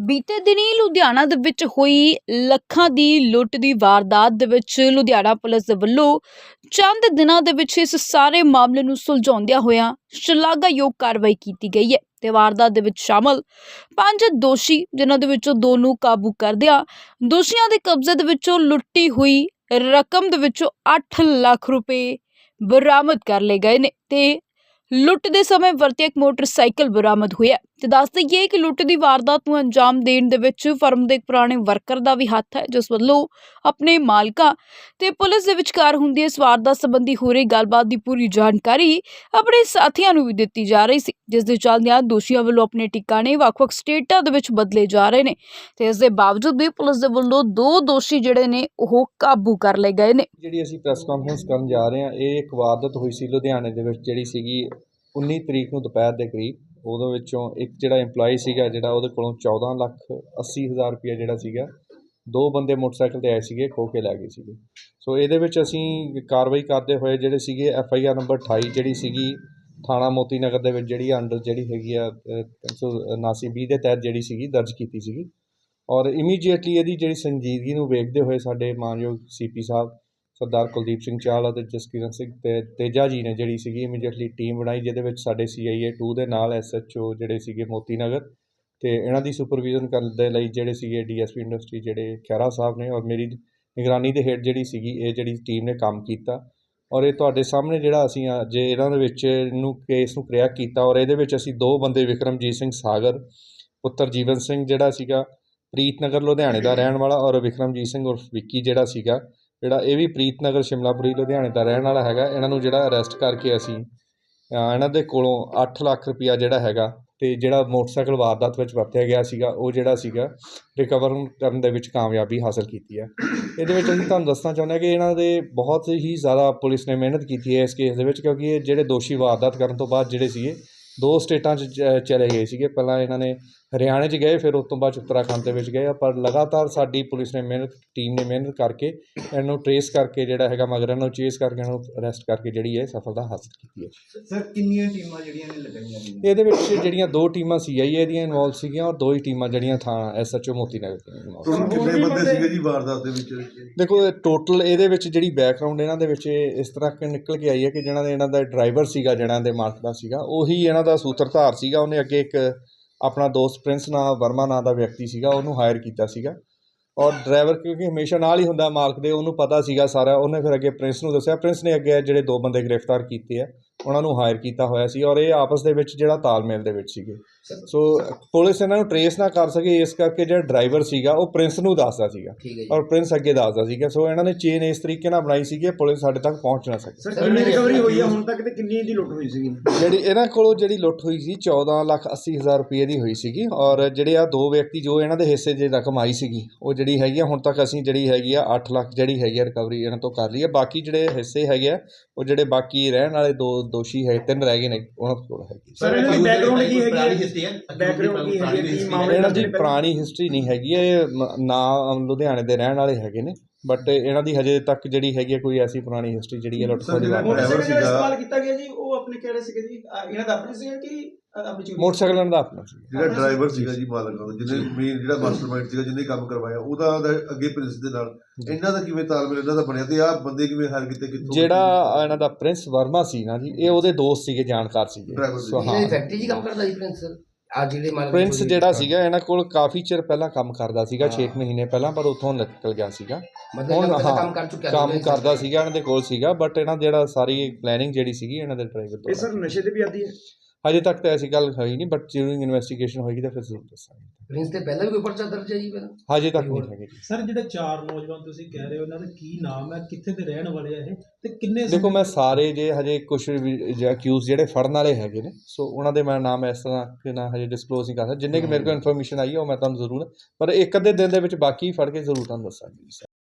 ਬੀਤੇ ਦਿਨੀ ਲੁਧਿਆਣਾ ਦੇ ਵਿੱਚ ਹੋਈ ਲੱਖਾਂ ਦੀ ਲੁੱਟ ਦੀ ਵਾਰਦਾਤ ਦੇ ਵਿੱਚ ਲੁਧਿਆਣਾ ਪੁਲਿਸ ਦੇ ਵੱਲੋਂ ਚੰਦ ਦਿਨਾਂ ਦੇ ਵਿੱਚ ਇਸ ਸਾਰੇ ਮਾਮਲੇ ਨੂੰ ਸੁਲਝਾਉਂਦਿਆਂ ਹੋਇਆਂ ਸ਼ਲਾਘਾਯੋਗ ਕਾਰਵਾਈ ਕੀਤੀ ਗਈ ਹੈ ਤੇ ਵਾਰਦਾਤ ਦੇ ਵਿੱਚ ਸ਼ਾਮਲ 5 ਦੋਸ਼ੀ ਜਿਨ੍ਹਾਂ ਦੇ ਵਿੱਚੋਂ 2 ਨੂੰ ਕਾਬੂ ਕਰਦਿਆਂ ਦੋਸ਼ੀਆਂ ਦੇ ਕਬਜ਼ੇ ਦੇ ਵਿੱਚੋਂ ਲੁੱਟੀ ਹੋਈ ਰਕਮ ਦੇ ਵਿੱਚੋਂ 8 ਲੱਖ ਰੁਪਏ ਬਰਾਮਦ ਕਰ ਲਏ ਗਏ ਨੇ ਤੇ ਲੁੱਟ ਦੇ ਸਮੇਂ ਵਰਤਿਆ ਇੱਕ ਮੋਟਰਸਾਈਕਲ ਬਰਾਮਦ ਹੋਇਆ ਤੇ ਦੱਸ ਦਈਏ ਕਿ ਲੁੱਟ ਦੀ ਵਾਰਦਾਤ ਨੂੰ ਅੰਜਾਮ ਦੇਣ ਦੇ ਵਿੱਚ ਫਰਮ ਦੇ ਇੱਕ ਪੁਰਾਣੇ ਵਰਕਰ ਦਾ ਵੀ ਹੱਥ ਹੈ, ਜਿਸ ਵੱਲੋਂ ਆਪਣੇ ਮਾਲਕਾਂ ਤੇ ਪੁਲਿਸ ਦੇ ਵਿਚਕਾਰ ਹੁੰਦੀ ਇਸ ਵਾਰਦਾਤ ਸੰਬੰਧੀ ਹੋ ਰਹੀ ਗੱਲਬਾਤ ਦੀ ਪੂਰੀ ਜਾਣਕਾਰੀ ਆਪਣੇ ਸਾਥੀਆਂ ਨੂੰ ਵੀ ਦਿੱਤੀ ਜਾ ਰਹੀ ਸੀ, ਜਿਸ ਦੇ ਚੱਲਦਿਆਂ ਦੋਸ਼ੀਆਂ ਵੱਲੋਂ ਆਪਣੇ ਟਿਕਾਣੇ ਵੱਖ-ਵੱਖ ਸਟੇਟਾਂ ਦੇ ਵਿੱਚ ਬਦਲੇ ਜਾ ਰਹੇ ਨੇ ਤੇ ਇਸ ਦੇ ਬਾਵਜੂਦ ਵੀ ਪੁਲਿਸ ਦੇ ਵੱਲੋਂ 2 ਦੋਸ਼ੀ ਜਿਹੜੇ ਨੇ ਉਹ ਕਾਬੂ ਕਰ ਲਏ ਗਏ ਨੇ। ਜਿਹੜੀ ਅਸੀਂ ਪ੍ਰੈਸ ਕਾਨਫਰੰਸ ਕਰਨ ਜਾ ਰਹੇ ਹਾਂ, ਇਹ ਇੱਕ ਵਾਰਦਾਤ ਹੋਈ ਸੀ ਲੁਧਿਆਣੇ ਦੇ ਵਿੱਚ, ਜਿਹੜੀ ਸੀਗੀ 19 ਤਰੀਕ ਨੂੰ ਦੁਪਹਿਰ ਦੇ ਕਰੀਬ। ਉਹਦੇ ਵਿੱਚੋਂ ਇੱਕ ਜਿਹੜਾ EMPLOYE ਸੀਗਾ, ਜਿਹੜਾ ਉਹਦੇ ਕੋਲੋਂ 14,80,000 ਰੁਪਇਆ ਜਿਹੜਾ ਸੀਗਾ 2 ਬੰਦੇ ਮੋਟਰਸਾਈਕਲ 'ਤੇ ਆਏ ਸੀਗੇ, ਖੋਹ ਕੇ ਲੈ ਗਏ ਸੀਗੇ। ਸੋ ਇਹਦੇ ਵਿੱਚ ਅਸੀਂ ਕਾਰਵਾਈ ਕਰਦੇ ਹੋਏ ਜਿਹੜੇ ਸੀਗੇ FIR ਨੰਬਰ 28 ਜਿਹੜੀ ਸੀਗੀ ਥਾਣਾ ਮੋਤੀ ਨਗਰ ਦੇ ਵਿੱਚ ਜਿਹੜੀ ਅੰਡਰ ਜਿਹੜੀ ਹੈਗੀ ਆ 379/20 ਦੇ ਤਹਿਤ ਜਿਹੜੀ ਸੀਗੀ ਦਰਜ ਕੀਤੀ ਸੀਗੀ। ਔਰ ਇਮੀਡੀਏਟਲੀ ਇਹਦੀ ਜਿਹੜੀ ਸੰਜੀਦਗੀ ਨੂੰ ਵੇਖਦੇ ਹੋਏ ਸਾਡੇ ਮਾਨਯੋਗ CP ਸਾਹਿਬ ਸਰਦਾਰ ਕੁਲਦੀਪ ਸਿੰਘ ਚਾਹਲ ਅਤੇ ਜਸਕਿਰਨ ਸਿੰਘ ਤੇ ਤੇਜਾ ਜੀ ਨੇ ਜਿਹੜੀ ਸੀਗੀ ਇਮੀਡੀਏਟਲੀ ਟੀਮ ਬਣਾਈ, ਜਿਹਦੇ ਵਿੱਚ ਸਾਡੇ CIA 2 ਦੇ ਨਾਲ SHO ਜਿਹੜੇ ਸੀਗੇ ਮੋਤੀ ਨਗਰ ਤੇ ਇਹਨਾਂ ਦੀ ਸੁਪਰਵਿਜ਼ਨ ਕਰਨ ਦੇ ਲਈ ਜਿਹੜੇ ਸੀਗੇ DSP ਇੰਡਸਟਰੀ ਜਿਹੜੇ ਖਹਿਰਾ ਸਾਹਿਬ ਨੇ, ਔਰ ਮੇਰੀ ਨਿਗਰਾਨੀ ਦੇ ਹੇਠ ਜਿਹੜੀ ਸੀਗੀ ਇਹ ਜਿਹੜੀ ਟੀਮ ਨੇ ਕੰਮ ਕੀਤਾ। ਔਰ ਇਹ ਤੁਹਾਡੇ ਸਾਹਮਣੇ ਜਿਹੜਾ ਅਸੀਂ ਅੱਜ ਇਹਨਾਂ ਦੇ ਵਿੱਚ ਨੂੰ ਕੇਸ ਨੂੰ ਕ੍ਰੈਕ ਕੀਤਾ। ਔਰ ਇਹਦੇ ਵਿੱਚ ਅਸੀਂ 2 ਬੰਦੇ ਵਿਕਰਮਜੀਤ ਸਿੰਘ ਸਾਗਰ ਪੁੱਤਰ ਜੀਵਨ ਸਿੰਘ ਜਿਹੜਾ ਸੀਗਾ ਪ੍ਰੀਤ ਨਗਰ ਲੁਧਿਆਣੇ ਦਾ ਰਹਿਣ ਵਾਲਾ, ਔਰ ਵਿਕਰਮਜੀਤ ਸਿੰਘ ਉਰਫ ਵਿੱਕੀ ਜਿਹੜਾ ਸੀਗਾ ਜਿਹੜਾ ਇਹ ਵੀ ਪ੍ਰੀਤ ਨਗਰ ਸ਼ਿਮਲਾਪੁਰੀ ਲੁਧਿਆਣੇ ਦਾ ਰਹਿਣ ਵਾਲਾ ਹੈਗਾ। ਇਹਨਾਂ ਨੂੰ ਜਿਹੜਾ ਅਰੈਸਟ ਕਰਕੇ ਅਸੀਂ ਇਹਨਾਂ ਦੇ ਕੋਲੋਂ 8 ਲੱਖ ਰੁਪਇਆ ਜਿਹੜਾ ਹੈਗਾ ਤੇ ਜਿਹੜਾ ਮੋਟਰਸਾਈਕਲ ਵਾਰਦਾਤ ਵਿੱਚ ਵਰਤਿਆ ਗਿਆ ਸੀਗਾ ਉਹ ਜਿਹੜਾ ਸੀਗਾ ਰਿਕਵਰ ਕਰਨ ਦੇ ਵਿੱਚ ਕਾਮਯਾਬੀ ਹਾਸਲ ਕੀਤੀ ਹੈ। ਇਹਦੇ ਵਿੱਚ ਅਸੀਂ ਤੁਹਾਨੂੰ ਦੱਸਣਾ ਚਾਹੁੰਦੇ ਹਾਂ ਕਿ ਇਹਨਾਂ ਦੇ ਬਹੁਤ ਹੀ ਜ਼ਿਆਦਾ ਪੁਲਿਸ ਨੇ ਮਿਹਨਤ ਕੀਤੀ ਹੈ ਇਸ ਕੇਸ ਦੇ ਵਿੱਚ, ਕਿਉਂਕਿ ਇਹ ਜਿਹੜੇ ਦੋਸ਼ੀ ਵਾਰਦਾਤ ਕਰਨ ਤੋਂ ਬਾਅਦ ਜਿਹੜੇ ਸੀਗੇ 2 ਸਟੇਟਾਂ 'ਚ ਚਲੇ ਗਏ ਸੀਗੇ। ਪਹਿਲਾਂ ਇਹਨਾਂ ਨੇ ਹਰਿਆਣੇ 'ਚ ਗਏ, ਫਿਰ ਉਸ ਤੋਂ ਬਾਅਦ ਉੱਤਰਾਖੰਡ ਦੇ ਵਿੱਚ ਗਏ, ਪਰ ਲਗਾਤਾਰ ਸਾਡੀ ਪੁਲਿਸ ਨੇ ਟੀਮ ਨੇ ਮਿਹਨਤ ਕਰਕੇ ਇਹਨੂੰ ਟਰੇਸ ਕਰਕੇ ਜਿਹੜਾ ਹੈਗਾ ਮਗਰ ਇਹਨਾਂ ਨੂੰ ਚੇਸ ਕਰਕੇ ਇਹਨਾਂ ਨੂੰ ਅਰੈਸਟ ਕਰਕੇ ਜਿਹੜੀ ਹੈ ਸਫਲਤਾ ਹਾਸਲ ਕੀਤੀ ਹੈ। ਸਰ ਕਿੰਨੀਆਂ ਟੀਮਾਂ ਜਿਹੜੀਆਂ ਨੇ ਲਗਾਈਆਂ ਨੇ? ਇਹਦੇ ਵਿੱਚ ਜਿਹੜੀਆਂ 2 ਟੀਮਾਂ CIA ਦੀਆਂ ਇਨਵੋਲਵ ਸੀਗੀਆਂ ਔਰ 2 ਹੀ ਟੀਮਾਂ ਜਿਹੜੀਆਂ ਥਾਣਾ SHO ਮੋਤੀ ਨਗਰ ਦੀਆਂ ਇਨਵੋਲਵ। ਕਿੰਨੇ ਬੰਦੇ ਸੀਗੇ ਜੀ ਵਾਰਦਾਤ ਦੇ ਵਿੱਚ? ਦੇਖੋ ਟੋਟਲ ਇਹਦੇ ਵਿੱਚ ਜਿਹੜੀ ਬੈਕਗਰਾਊਂਡ ਇਹਨਾਂ ਦੇ ਵਿੱਚ ਇਸ ਤਰ੍ਹਾਂ ਕਿ ਨਿਕਲ ਕੇ ਆਈ ਹੈ ਕਿ ਇਹਨਾਂ ਦਾ ਡਰਾਈਵਰ ਸੀਗਾ, ਜਿਹੜਾ ਦੇ ਮਾਲਕ ਦਾ ਸੀਗਾ, ਉਹੀ ਇਹਨਾਂ ਦਾ ਸੂਤਰਧਾਰ ਸੀਗਾ। ਉਹਨੇ ਅੱਗੇ ਇੱਕ ਆਪਣਾ ਦੋਸਤ ਪ੍ਰਿੰਸ ਵਰਮਾ ਨਾਂ ਦਾ ਵਿਅਕਤੀ ਸੀਗਾ, ਉਹਨੂੰ ਹਾਇਰ ਕੀਤਾ ਸੀਗਾ। ਔਰ ਡਰਾਈਵਰ ਕਿਉਂਕਿ ਹਮੇਸ਼ਾ ਨਾਲ ਹੀ ਹੁੰਦਾ ਮਾਲਕ ਦੇ, ਉਹਨੂੰ ਪਤਾ ਸੀਗਾ ਸਾਰਾ। ਉਹਨੇ ਫਿਰ ਅੱਗੇ ਪ੍ਰਿੰਸ ਨੂੰ ਦੱਸਿਆ, ਪ੍ਰਿੰਸ ਨੇ ਅੱਗੇ ਜਿਹੜੇ 2 ਬੰਦੇ ਗ੍ਰਿਫਤਾਰ ਕੀਤੇ ਆ ਉਹਨਾਂ ਨੂੰ ਹਾਇਰ ਕੀਤਾ ਹੋਇਆ ਸੀ। ਔਰ ਇਹ ਆਪਸ ਦੇ ਵਿੱਚ ਜਿਹੜਾ ਤਾਲਮੇਲ ਦੇ ਵਿੱਚ ਸੀਗੇ। ਸੋ ਪੁਲਿਸ ਇਹਨਾਂ ਨੂੰ ਟਰੇਸ ਨਾ ਕਰ ਸਕੇ, ਇਸ ਕਰਕੇ ਜਿਹੜਾ ਡਰਾਈਵਰ ਸੀਗਾ ਉਹ ਪ੍ਰਿੰਸ ਨੂੰ ਦੱਸਦਾ ਸੀਗਾ ਔਰ ਪ੍ਰਿੰਸ ਅੱਗੇ ਦੱਸਦਾ ਸੀਗਾ। ਸੋ ਇਹਨਾਂ ਨੇ ਚੇਨ ਇਸ ਤਰੀਕੇ ਨਾਲ ਬਣਾਈ ਸੀਗੀ ਪੁਲਿਸ ਸਾਡੇ ਤੱਕ ਪਹੁੰਚ ਨਾ ਸਕੇ। ਸਰ ਕਿੰਨੀ ਰਿਕਵਰੀ ਹੋਈ ਹੈ ਹੁਣ ਤੱਕ ਤੇ ਕਿੰਨੀ ਦੀ ਲੁੱਟ ਹੋਈ ਸੀਗੀ? ਜਿਹੜੀ ਇਹਨਾਂ ਕੋਲੋਂ ਜਿਹੜੀ ਲੁੱਟ ਹੋਈ ਸੀ 14,80,000 ਰੁਪਏ ਦੀ ਹੋਈ ਸੀਗੀ। ਔਰ ਜਿਹੜੇ ਆ 2 ਵਿਅਕਤੀ ਜੋ ਇਹਨਾਂ ਦੇ ਹਿੱਸੇ ਜੇ ਰਕਮ ਆਈ ਸੀਗੀ ਉਹ ਜਿਹੜੀ ਹੈਗੀ ਆ ਹੁਣ ਤੱਕ ਅਸੀਂ ਜਿਹੜੀ ਹੈਗੀ ਆ 8 ਲੱਖ ਜਿਹੜੀ ਹੈਗੀ ਆ ਰਿਕਵਰੀ ਇਹਨਾਂ ਤੋਂ ਕਰ ਲਈ ਹੈ। ਬਾਕੀ ਜਿਹੜੇ ਹਿੱਸੇ ਹੈਗੇ ਆ ਉਹ ਜਿਹੜੇ ਬਾਕੀ ਰਹਿਣ ਵਾਲੇ 2 ਦੋਸ਼ੀ ਹੈ 3 ਰਹਿ ਗਏ ਨੇ, ਉਹਨਾਂ ਕੋਲ ਹੈਗੀ। ਸਰ ਇਹਨਾਂ ਦੀ ਬੈਕਗ੍ਰਾਉਂਡ ਕੀ ਹੈਗੀ ਹੈ? ਬੈਕਗ੍ਰਾਉਂਡ ਕੀ ਹੈਗੀ ਹੈ? ਇਹਨਾਂ ਦੀ ਪੁਰਾਣੀ ਹਿਸਟਰੀ ਨਹੀਂ ਹੈਗੀ, ਇਹ ਨਾ ਲੁਧਿਆਣੇ ਦੇ ਰਹਿਣ ਵਾਲੇ ਹੈਗੇ ਨੇ, ਬਟ ਇਹਨਾਂ ਦੀ ਹਜੇ ਤੱਕ ਜਿਹੜੀ ਹੈਗੀ ਕੋਈ ਐਸੀ ਪੁਰਾਣੀ ਹਿਸਟਰੀ ਜਿਹੜੀ ਹੈ ਲੁੱਟ ਖੋਹ ਦੀ ਇਸਤੇਮਾਲ ਕੀਤਾ ਗਿਆ ਜੀ। ਉਹ ਆਪਣੇ ਕਿਹੜੇ ਸੀਗੇ ਜੀ? ਇਹਨਾਂ ਦਾ ਆਪਣੇ ਸੀਗਾ ਕਿ ਮੋਟਰਸਾਈਕਲ ਇਹਨਾਂ ਦਾ ਆਪਣਾ ਸੀ? ਜਿਹੜਾ ਡਰਾਈਵਰ ਸੀਗਾ ਜੀ ਮਾਲਕ ਦਾ, ਜਿਹਨੇ ਮੇਨ ਜਿਹੜਾ ਮਾਸਟਰਮਾਈਂਡ ਸੀਗਾ, ਜਿਹਨੇ ਕੰਮ ਕਰਵਾਇਆ, ਉਹਦਾ ਅੱਗੇ ਪ੍ਰਿੰਸ ਦੇ ਨਾਲ ਇਹਨਾਂ ਦਾ ਕਿਵੇਂ ਤਾਲਮੇਲ ਇਹਨਾਂ ਦਾ ਬਣਿਆ ਤੇ ਆਹ ਬੰਦੇ ਕਿਵੇਂ ਹਾਇਰ ਕੀਤੇ? ਕਿੱਥੋਂ? ਜਿਹੜਾ ਇਹਨਾਂ ਦਾ ਪ੍ਰਿੰਸ ਵਰਮਾ ਸੀ ਨਾ ਜੀ, ਇਹ ਉਹਦੇ ਦੋਸਤ ਸੀਗੇ, ਜਾਣਕਾਰ ਸੀਗੇ। ਫੈਕਟਰੀ 'ਚ ਕੰਮ ਕਰਦਾ ਜੀ ਪ੍ਰਿੰਸ ਜਿਹੜਾ ਸੀਗਾ ਇਹਨਾਂ ਕੋਲ ਕਾਫੀ ਚਿਰ ਪਹਿਲਾਂ ਕੰਮ ਕਰਦਾ ਸੀਗਾ, 6 ਮਹੀਨੇ ਪਹਿਲਾਂ, ਪਰ ਉੱਥੋਂ ਨਿਕਲ ਗਿਆ ਸੀਗਾ। ਹੁਣ ਕੰਮ ਕਰਦਾ ਸੀਗਾ, ਇਹਨਾਂ ਦੇ ਕੋਲ ਸੀਗਾ, ਬਟ ਇਹਨਾਂ ਜਿਹੜਾ ਸਾਰੀ ਪਲੈਨਿੰਗ ਜਿਹੜੀ ਸੀਗੀ ਇਹਨਾਂ ਦੇ ਡਰਾਈਵਰ ਤੋਂ। ਇਹ ਸਰ ਨਸ਼ੇ ਤੇ ਵੀ ਆਦੀ ਹੈ? ਹਜੇ ਤੱਕ ਤਾਂ ਐਸੀ ਗੱਲ ਹੋਈ ਨਹੀਂ, ਬਟ ਜਿਉਂ ਇਨਵੈਸਟੀਗੇਸ਼ਨ ਹੋਏਗੀ ਤਾਂ ਫਿਰ ਜ਼ਰੂਰ ਦੱਸਾਂਗੇ। ਪ੍ਰਿੰਸ ਤੇ ਪਹਿਲਾਂ ਵੀ ਕੋਈ ਪਰਚਾ ਦਰਜ ਹੈ ਜੀ? ਹਜੇ ਤੱਕ ਨਹੀਂ ਹੈਗੇ ਜੀ। ਸਰ ਜਿਹੜੇ 4 ਨੌਜਵਾਨ ਤੁਸੀਂ ਕਹਿ ਰਹੇ ਹੋ, ਉਹਨਾਂ ਦਾ ਕੀ ਨਾਮ ਹੈ, ਕਿੱਥੇ ਦੇ ਰਹਿਣ ਵਾਲੇ ਆ ਇਹ, ਤੇ ਕਿੰਨੇ? ਦੇਖੋ ਮੈਂ ਸਾਰੇ ਜੇ ਹਜੇ ਕੁਝ ਅਕਿਊਜ਼ ਜਿਹੜੇ ਫੜਨ ਵਾਲੇ ਹੈਗੇ ਨੇ, ਸੋ ਉਹਨਾਂ ਦੇ ਮੈਂ ਨਾਮ ਇਸ ਤਰ੍ਹਾਂ ਕਿ ਨਾ ਹਜੇ ਡਿਸਕਲੋਜ਼ ਨਹੀਂ ਕਰ ਸਕਦਾ। ਜਿੰਨੇ ਕਿ ਮੇਰੇ ਕੋਲ ਇਨਫੋਰਮੇਸ਼ਨ ਆਈ ਹੈ ਉਹ ਮੈਂ ਤੁਹਾਨੂੰ ਜ਼ਰੂਰ, ਪਰ 1 ਅੱਧੇ ਦਿਨ ਦੇ ਵਿੱਚ ਬਾਕੀ ਫੜ ਕੇ ਜ਼ਰੂਰ ਤੁਹਾਨੂੰ ਦੱਸਾਂਗੇ।